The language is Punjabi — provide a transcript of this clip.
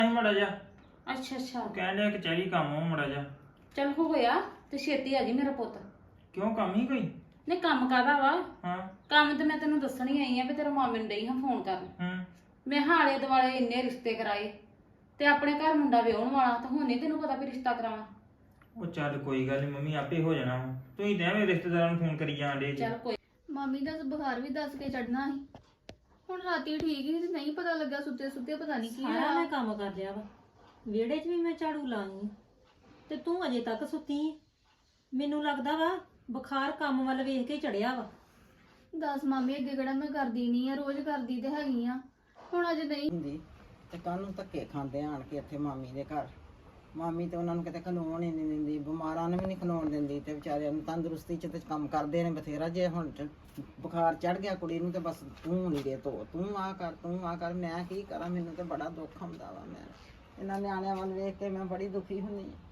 ਮੜਾ ਜਾ ਅੱਛਾ ਅੱਛਾ ਕਹਿਣ ਡਿਆ ਕਚਹਿਰੀ ਕੰਮ ਹੋ ਮੜਾ ਜਾ। ਚੱਲ ਹੋਇਆ ਤੇ ਛੇਤੀ ਆ ਜੀ ਮੇਰਾ ਪੁੱਤ। ਕਿਉਂ ਕੰਮ ਹੀ ਕੋਈ? ਨਹੀਂ ਕੰਮ ਕਾਹਦਾ ਵਾ? ਹਾਂ। ਕੰਮ ਤੇ ਮੈਂ ਤੈਨੂੰ ਦੱਸਣ ਹੀ ਆਈ ਆ ਵੀ ਤੇਰੇ ਮਾਮੇ ਨੂੰ ਡਈ ਹਾਂ ਫੋਨ ਕਰਨ। ਮੈਂ ਹਾਲੇ ਦੁਆਲੇ ਇੰਨੇ ਰਿਸ਼ਤੇ ਕਰਾਏ ਤੇ ਆਪਣੇ ਘਰ ਮੁੰਡਾ ਵਿਆਹਣ ਵਾਲਾ ਤਾਂ ਹੁਣ ਨੀ ਤੈਨੂੰ ਪਤਾ ਵੀ ਰਿਸ਼ਤਾ ਕਰਾਵਾਂ। ਉਹ ਚੱਲ ਕੋਈ ਗੱਲ ਨਹੀਂ ਮੰਮੀ, ਆਪੇ ਹੋ ਜਾਣਾ ਵਾ। ਤੁਸੀਂ ਤਾਂ ਐਵੇਂ ਰਿਸ਼ਤੇਦਾਰਾਂ ਨੂੰ ਫੋਨ ਕਰੀ ਜਾਂਦੇ ਚੱਲ ਕੋਈ ਮਾਮੀ ਦਾ ਬੁਖਾਰ ਵੀ ਦੱਸ ਕੇ ਚੜਨਾ ਸੀ। ਹੁਣ ਰਾਤੀ ਠੀਕ ਹੀ ਤੇ ਨਹੀਂ ਪਤਾ ਲੱਗਾ, ਸੁੱਤੇ ਸੁੱਤੇ ਪਤਾ ਨਹੀਂ ਕੀ ਸਾਰਾ ਹੋਇਆ। ਮੈਂ ਕੰਮ ਕਰ ਲਿਆ ਵਾ, ਵਿਹੜੇ 'ਚ ਵੀ ਮੈਂ ਝਾੜੂ ਲਾਈ ਤੇ ਤੂੰ ਅਜੇ ਤੱਕ ਸੁੱਤੀ ਏਂ। ਮੈਨੂੰ ਲੱਗਦਾ ਵਾ ਬੁਖਾਰ ਕੰਮ ਵੱਲ ਵੇਖ ਕੇ ਚੜਿਆ ਵਾ। ਦੱਸ ਮਾਮੀ, ਅੱਗੇ ਕਿਹੜਾ ਮੈਂ ਕਰਦੀ ਨਹੀਂ ਆ, ਰੋਜ਼ ਕਰਦੀ ਤੇ ਹੈਗੀ ਆ, ਹੁਣ ਅਜੇ ਨਹੀਂ ਹੁੰਦੀ ਤੇ ਕੱਲ ਨੂੰ ਧੱਕੇ ਖਾਂਦੇ ਆਣ ਕੇ ਇੱਥੇ ਮਾਮੀ ਦੇ ਘਰ। ਮਾਮੀ ਤੇ ਉਹਨਾਂ ਨੂੰ ਕਿਤੇ ਖਲੋਣ ਹੀ ਨਹੀਂ ਦਿੰਦੀ, ਬਿਮਾਰਾਂ ਨੂੰ ਵੀ ਨਹੀਂ ਖਲੋਣ ਦਿੰਦੀ ਤੇ ਵਿਚਾਰਿਆਂ ਨੂੰ ਤੰਦਰੁਸਤੀ 'ਚ ਤੇ ਕੰਮ ਕਰਦੇ ਨੇ ਬਥੇਰਾ। ਜੇ ਹੁਣ ਬੁਖਾਰ ਚੜ ਗਿਆ ਕੁੜੀ ਨੂੰ ਤੇ ਬਸ ਤੂੰ ਲੀੜੇ ਧੋ, ਤੂੰ ਆ ਕਰ, ਤੂੰ ਆ ਕਰ। ਮੈਂ ਕੀ ਕਰਾਂ, ਮੈਨੂੰ ਤੇ ਬੜਾ ਦੁੱਖ ਆਉਂਦਾ ਵਾ। ਮੈਂ ਇਹਨਾਂ ਨਿਆਣਿਆਂ ਵੱਲ ਵੇਖ ਕੇ ਮੈਂ ਬੜੀ ਦੁਖੀ ਹੁੰਦੀ ਹਾਂ।